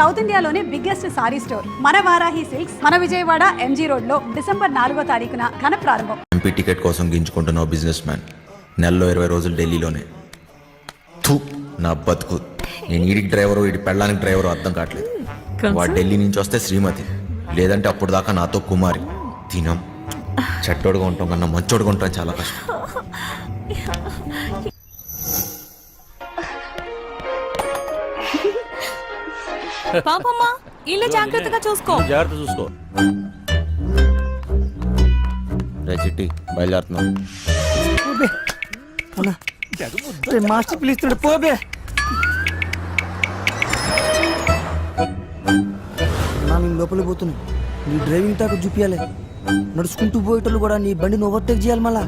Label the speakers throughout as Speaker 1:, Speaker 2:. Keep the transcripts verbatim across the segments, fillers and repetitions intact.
Speaker 1: South ఇండియాలోనే biggest sorry store మన Varahi silks మన విజయవాడ ఎంజీ రోడ్ లో డిసెంబర్ నాలుగో తారీఖున ఘన ప్రారంభం.
Speaker 2: ఎంపీ టికెట్ కోసం గింజుకుంటున్న బిజినెస్ మ్యాన్ నెలలో ఇరవై రోజులు ఢిల్లీలోనే. థూ నా బతుకు. నేను ఈడికి డ్రైవరు ఈడి పెళ్ళానికి డ్రైవరు అర్థం కావట్లేదు. వాడు ఢిల్లీ నుంచి వస్తే శ్రీమతి, లేదంటే అప్పుడు దాకా నాతో కుమారి. తినం చెట్టోడుగా ఉంటాం కన్నా మంచోడుగా ఉంటాం చాలా కష్టం.
Speaker 3: పాపమ్మా ఇల్లు జాగ్రత్తగా చూసుకో.
Speaker 4: జాగ్రత్త చూసుకో.
Speaker 2: రే చిట్టి బయలుదేరుతున్నాం.
Speaker 5: మాస్టర్ పిలుస్తున్నాడు పోబే. నేను లోపలికి పోతున్నా. నీ డ్రైవింగ్ తాకు చూపించాలి. నడుచుకుంటూ పోయేటోళ్ళు కూడా నీ బండిని ఓవర్టేక్ చేయాలి మళ్ళా.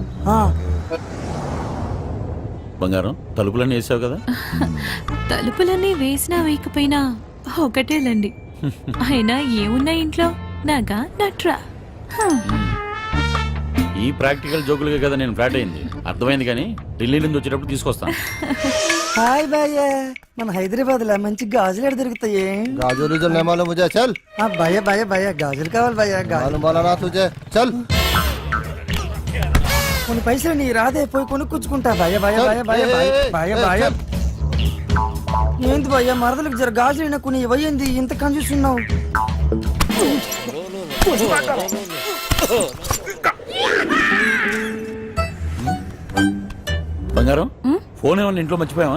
Speaker 4: బంగారం తలుపులన్నీ వేసావు కదా?
Speaker 3: తలుపులన్నీ వేసినా వేయకపోయినా ఒకటేలండి. అయినా ఏమున్నా ఇంట్లో నాగా నట్రా.
Speaker 4: ఈ ప్రాక్టికల్ జోకులుగా కదా నేను ఫ్లాట్ అయింది. అర్థమైంది, కానీ ఢిల్లీ నుంచి వచ్చేటప్పుడు తీసుకొస్తాను.
Speaker 5: హాయ్ భయ్య, మన హైదరాబాద్ లో మంచి గాజులు ఎక్కడ దొరుకుతాయి?
Speaker 6: गाजर उजर नहीं मालूम मुझे, चल।
Speaker 5: ఆ భయ్య భయ్య భయ్య గాజులు కావాలి భయ్య. గాజులు
Speaker 6: मालूम वाला ना तुझे, चल।
Speaker 5: కొన్ని పైసలు నీ రాదే, పోయి కొనుక్కొచ్చుకుంటా. భయ్య భయ్య భయ్య భయ్య భయ్య భయ్య భయ్య ఏంది భయ్య, మరదలకు జర గాజులు అయినా కొన్ని ఇవ్వయింది, ఇంత కన్ఫ్యూస్తున్నావు.
Speaker 4: బంగారం ఫోన్ ఏమన్నా ఇంట్లో మర్చిపోయావా?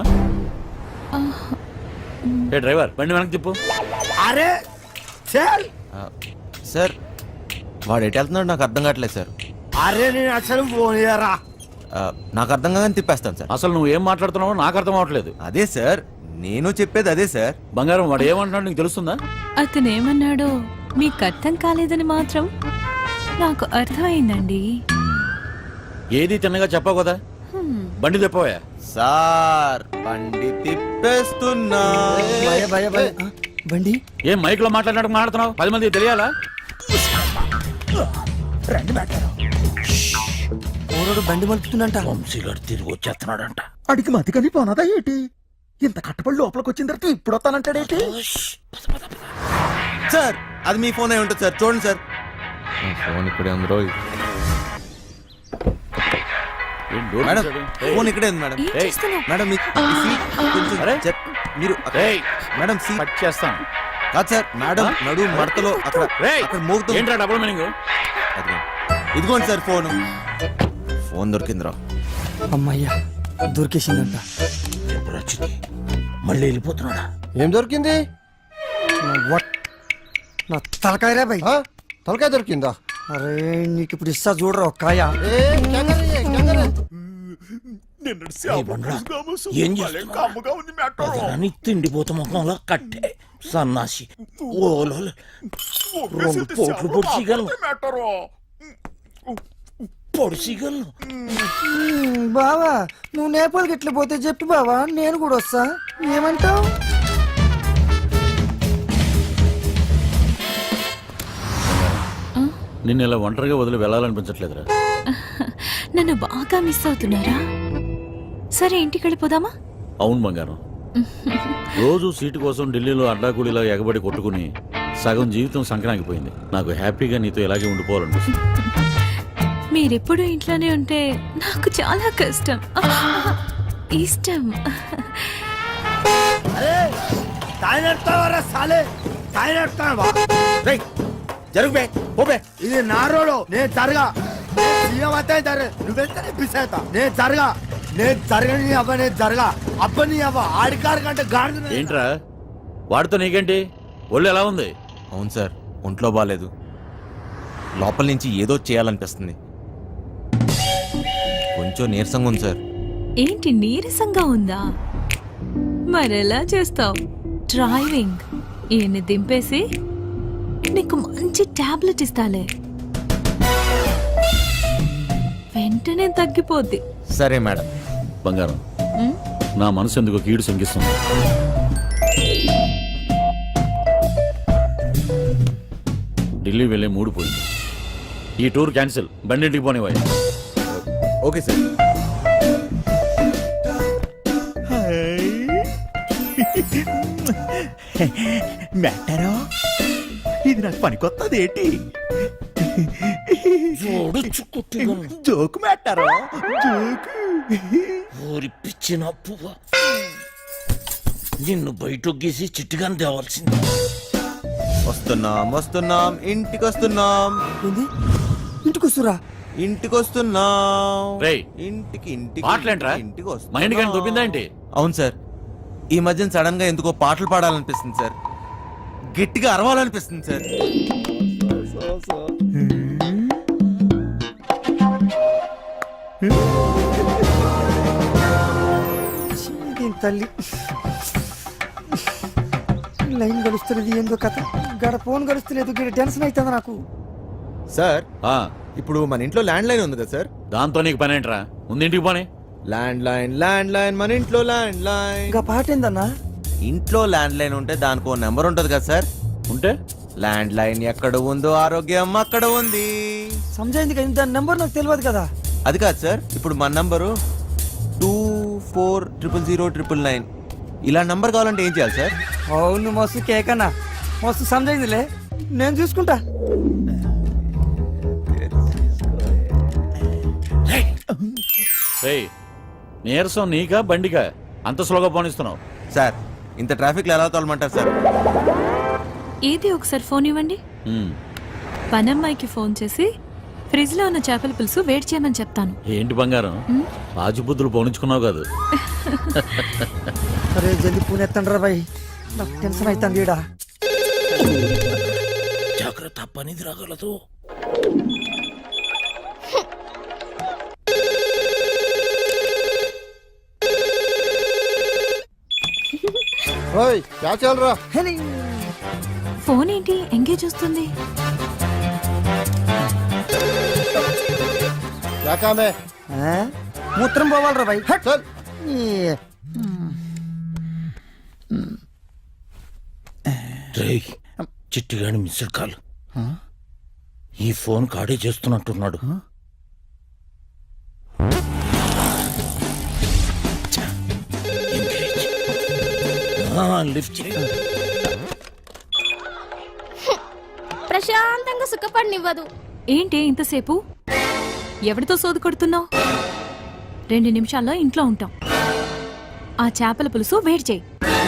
Speaker 4: ఏ డ్రైవర్ బండి వెనక్కి తిప్పు.
Speaker 5: అరే చల్.
Speaker 2: సార్ వాడు ఎటు వెళ్తున్నాడు నాకు అర్థం కావట్లేదు సార్.
Speaker 5: అరే నేను అసలు ఫోన్ చేయరా.
Speaker 2: ఆ, నాకు అర్థం కాగానే తిప్పేస్తాను సార్.
Speaker 4: అసలు నువ్వు ఏం మాట్లాడుతున్నావో నాకు అర్థం అవట్లేదు.
Speaker 2: అదే సార్ నేను చెప్పేది అదే సార్.
Speaker 4: బంగారం వాడు ఏమంటున్నాడు నీకు తెలుస్తుందా?
Speaker 3: అతను ఏమన్నాడో మీకు అర్థం కాలేదని మాత్రం నాకు అర్థమైందండి.
Speaker 4: ఏది తిన్నగా చెప్పావు కదా, బండి తిప్పవా?
Speaker 2: సార్ బండి తిప్పేస్తున్నా.
Speaker 5: భయ భయ భయ బండి
Speaker 4: ఏం మైక్ లో మాట్లాడినట్టు మాట్లాడుతున్నావు? పది మంది తెలియాలా?
Speaker 5: ఓరోడు బండి మలుపుతుందంట.
Speaker 7: వంశీగారు తిరిగి వచ్చేస్తున్నాడంట.
Speaker 8: అడిగి మతి కానీ పోనదా ఏంటి? ఇంత కట్టుబడి లోపలికి వచ్చిన తర్వాత ఇప్పుడు వస్తానంటాడేంటి?
Speaker 2: సార్ అది మీ ఫోన్ అయి ఉంటుంది సార్, చూడండి సార్. ఫోన్ ఇక్కడే ఉంది రోజు.
Speaker 4: ఏం డోర్
Speaker 2: మేడం
Speaker 4: తీశాడు?
Speaker 2: ఫోన్ ఇక్కడే ఉంది మేడం.
Speaker 3: ఏం
Speaker 4: ఏయ్.
Speaker 3: చేస్తున్నావు?
Speaker 2: మేడం మీ సీట్ కొంచెం
Speaker 4: అరే.
Speaker 2: చెప్- మీరు అక్కడ-
Speaker 4: ఏయ్.
Speaker 2: మేడం సీట్
Speaker 4: కట్ చేస్తాను.
Speaker 2: కాదు సార్, మేడం
Speaker 4: ఆ?
Speaker 2: నడు మడతలో అక్కడ
Speaker 4: రేయ్,
Speaker 2: అక్కడ మోగుతుంది.
Speaker 4: ఏంట్రా డబుల్ మీనింగ్?
Speaker 2: అదిగో. ఇదిగోండి సార్ ఫోన్. ఫోన్ దొరికిందిరా.
Speaker 5: అమ్మయ్యా దొరికేసిందంట.
Speaker 7: ఎప్పుడు వచ్చింది? మళ్ళీ వెళ్ళిపోతున్నాడా?
Speaker 6: ఏం దొరికింది?
Speaker 5: నా వట్ నా తలకాయరా భయ్.
Speaker 6: हाँ? తలకాయ దొరికిందా?
Speaker 5: అరే నీకు ఇప్పుడు ఇస్తా చూడరా ఒక కాయ.
Speaker 6: ఏ, क्या कर रही है? क्या कर रही है?
Speaker 7: ఏయ్ బండ్రా, ఏం చేస్తున్నావు? తిండిపోత ముఖంలో కట్టే సన్నాసి. ఓలో రెండు పోట్లు పొడిచిగలను పొడిచిగలను.
Speaker 5: మ్మ్, బావా నువ్వు నేపాల్కి ఎట్లా పోతే చెప్పి బావా, నేను కూడా వస్తా. ఏమంటావు?
Speaker 4: నిన్ను ఇలా ఒంటరిగా వదిలి వెళ్ళాలనిపించట్లేదురా.
Speaker 3: నన్ను బాగా మిస్ అవుతున్నారా? సరే ఇంటికి వెళ్ళిపోదామా?
Speaker 4: అవును బంగారం, రోజు సీటు కోసం ఢిల్లీలో అడ్డాకూడిలా ఎగబడి కొట్టుకుని సగం జీవితం సంక్రాంతిపోయింది. నాకు హ్యాపీగా నీతో ఇలాగే ఉండిపోవాలనిపిస్తుంది.
Speaker 3: మీరెప్పుడు ఇంట్లోనే ఉంటే నాకు చాలా కష్టం. ఇష్టం.
Speaker 2: జరుగు బే, పో బే.
Speaker 5: ఇది నా రోడ్, నేను జరగా. నువ్వెంత పిసేతా నేను జరగా. నేను జరగని అవ్వ, నేను జరగా అబ్బని అవ్వ. ఆడికారు కంటే గాడి.
Speaker 4: ఏంట్రా వాడితో నీకేంటి? ఒళ్ళు ఎలా ఉంది?
Speaker 2: అవును సార్, ఒంట్లో బాగాలేదు. లోపల నుంచి ఏదో చేయాలనిపిస్తుంది. కొంచెం నీరసంగా ఉంది సార్.
Speaker 3: ఏంటి నీరసంగా ఉందా? మరెలా చేస్తావు? డ్రైవింగ్ ఈయన్ని దింపేసి నీకు మంచి టాబ్లెట్ ఇస్తాలే, వెంటనే తగ్గిపోద్ది.
Speaker 2: సరే మేడం.
Speaker 4: బంగారం,
Speaker 3: ఉమ్,
Speaker 4: నా మనసు ఎందుకు కీడు శంకిస్తుంది. ఢిల్లీ వెళ్ళే మూడు పోయింది. ఈ టూర్ క్యాన్సిల్, బండింటికి పోనివ్వాలి.
Speaker 2: Okay sir.
Speaker 8: మెట్టారో ఇది నాకు పనికొత్తది ఏంటి
Speaker 7: జోడు కుట్టిగలను
Speaker 8: జోకు మెట్టారో జోకు
Speaker 7: ఊరి పిచ్చిన పువ్వ నిన్ను బయటొగ్గేసి చిట్టుగాని తేవాల్సింది.
Speaker 2: వస్తున్నాం వస్తున్నాం ఇంటికి వస్తున్నాం
Speaker 5: ఏంది ఇంటికి వస్తురా?
Speaker 2: ఇంటికి వస్తున్నాం
Speaker 4: రేయ్,
Speaker 2: ఇంటికి ఇంటికి
Speaker 4: పాటలేంట్రా?
Speaker 2: ఇంటికి
Speaker 4: మా ఇంటికి ఆయన దొబ్బిందా ఏంటి?
Speaker 2: అవును సార్, ఈ మధ్యన సడన్ గా ఎందుకో పాటలు పాడాలనిపిస్తుంది సార్, గట్టిగా అరవాలనిపిస్తుంది సార్.
Speaker 5: దీని తల్లి లైన్ గడుస్తున్నది ఏందో కథ, గడ ఫోన్ గడుస్తలేదు, గడ టెన్షన్ అవుతుంది నాకు.
Speaker 2: సార్
Speaker 4: ఆ,
Speaker 2: ఇప్పుడు మన ఇంట్లో ల్యాండ్ లైన్ ఉంది కదా సార్?
Speaker 4: దాంతో నీకు పని ఏంట్రా? ముందు ఇంటికి పోనీ.
Speaker 2: ల్యాండ్ లైన్ ల్యాండ్ లైన్ మన ఇంట్లో ల్యాండ్ లైన్.
Speaker 5: ఇంకా పాట ఏందన్నా?
Speaker 2: ఇంట్లో ల్యాండ్ లైన్ ఉంటే దానికి ఓ నెంబర్ ఉంటది కదా సార్?
Speaker 4: ఉంటే
Speaker 2: ల్యాండ్ లైన్ ఎక్కడ ఉందో ఆరోగ్యం అక్కడ ఉంది.
Speaker 5: సమజైంది కానీ దాని నెంబర్ నాకు తెలియదు కదా.
Speaker 2: అది కాదు సార్, ఇప్పుడు మన number two four triple zero triple nine. ఇలా నంబర్ కావాలంటే ఏం చేయాలి సార్?
Speaker 5: అవును మస్తు కేకన్నా, మస్తు సమజైందిలే, నేను చూసుకుంటా.
Speaker 4: రేయ్, నీరసం నీకా బండికా అంత స్లోగా పోనిస్తున్నావు?
Speaker 2: సార్ ఇంత ట్రాఫిక్ లో ఎలా తోలమంటారు సార్?
Speaker 3: ఏది ఒకసారి ఫోన్ ఇవ్వండి.
Speaker 4: ఉమ్,
Speaker 3: పనమ్మాయికి ఫోన్ చేసి ఫ్రిడ్జ్ లో ఉన్న చేపల పులుసు వేడి చేయమని చెప్తాను.
Speaker 4: ఏంటి బంగారం, రాజుబుద్ధులు పోనించుకున్నావు కాదు?
Speaker 5: అరే జల్ది పూణె ఎత్తండ్రా బాయ్, నాకు టెన్షన్ అవుతుంది ఈడ.
Speaker 7: జాగ్రత్త, పనిది రాగలదు.
Speaker 6: ఓయ్ క్యా చల్ రా?
Speaker 5: హెలి.
Speaker 3: ఫోన్ ఏంటి ఎంగేజ్ వస్తుంది?
Speaker 6: క్యా కామ్ హై?
Speaker 5: ఆ? మూత్రం పోవాలరా బాయ్. హట్.
Speaker 6: చల్.
Speaker 5: ఈ,
Speaker 7: రేయ్, చిట్టిగాని మిస్డ్ కాల్. ఈ ఫోన్ కాడే చేస్తున్నట్టున్నాడు. ఛ, ఎంగేజ్. ఆ, లిఫ్ట్ చేయి.
Speaker 9: ప్రశాంతంగా సుఖపడినివ్వదు.
Speaker 3: ఏంటి ఇంతసేపు? ఎవరితో సోదు కొడుతున్నావు? రెండు నిమిషాల్లో ఇంట్లో ఉంటాం. ఆ చేపల పులుసు వేడి చేయి.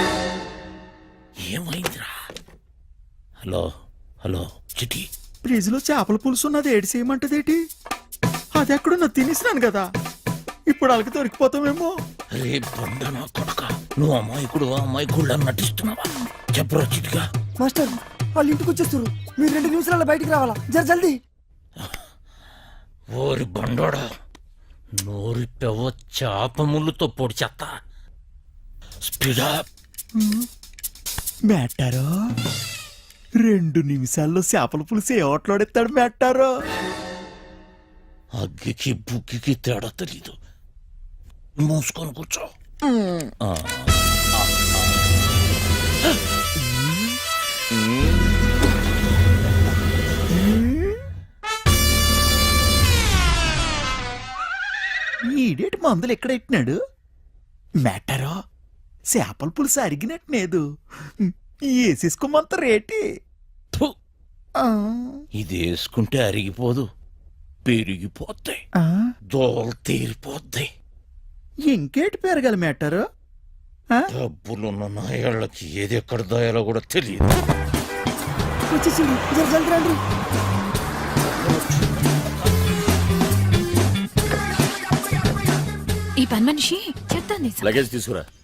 Speaker 7: ఏమైందిరా? హలో హలో చిటి,
Speaker 8: ఫ్రిడ్జ్ లో చేపల పులుసు ఉన్నది ఏడు చేయమంటదేటి? అది ఎక్కడున్నా తినేసినాను కదా, ఇప్పుడు వాళ్ళకి దొరికిపోతామేమో.
Speaker 7: రే బండ నా కొడక, నువ్వు అమాయకుడు అమాయకుడు నటిస్తున్నావా? చెప్పరా చిటిగా.
Speaker 5: మాస్టర్ వాళ్ళు ఇంటికి వచ్చేస్తారు, మీరు రెండు నిమిషాల బయటికి రావాలా, జర జల్దీ.
Speaker 7: ఓరి బండోడా, నోరి పెవ చేప ముళ్ళుతో పొడి చెత్త. స్పీడా.
Speaker 8: మెట్టారో రెండు నిమిషాల్లో చేపల పులుసు ఏ ఓట్లాడెత్తాడు మెట్టారో.
Speaker 7: అగ్గికి బుగ్గికి తేడా తెలీదు. మూసుకొని కూర్చో. ఆ,
Speaker 8: ఈడేటి మందులు ఎక్కడ ఎట్టినాడు మెట్టారో? చేపల పులుసు అరిగినట్లేదు, వేసేసుకోమంత రేటి.
Speaker 7: థు,
Speaker 8: ఆ,
Speaker 7: ఇది వేసుకుంటే అరిగిపోదు, పెరిగిపోతాయి,
Speaker 8: ఆ,
Speaker 7: దోలు తీరిపోద్ది.
Speaker 8: ఇంకేటి పెరగాలి మెట్టారో?
Speaker 7: డబ్బులున్న నాయాళ్ళకి ఏది ఎక్కడ దాయాలో కూడా తెలియదు.
Speaker 5: వచ్చేసి జర జల్దీ రండి.
Speaker 3: ఈ పని మనిషి చెప్తాను
Speaker 4: లగేజ్ తీసుకురా.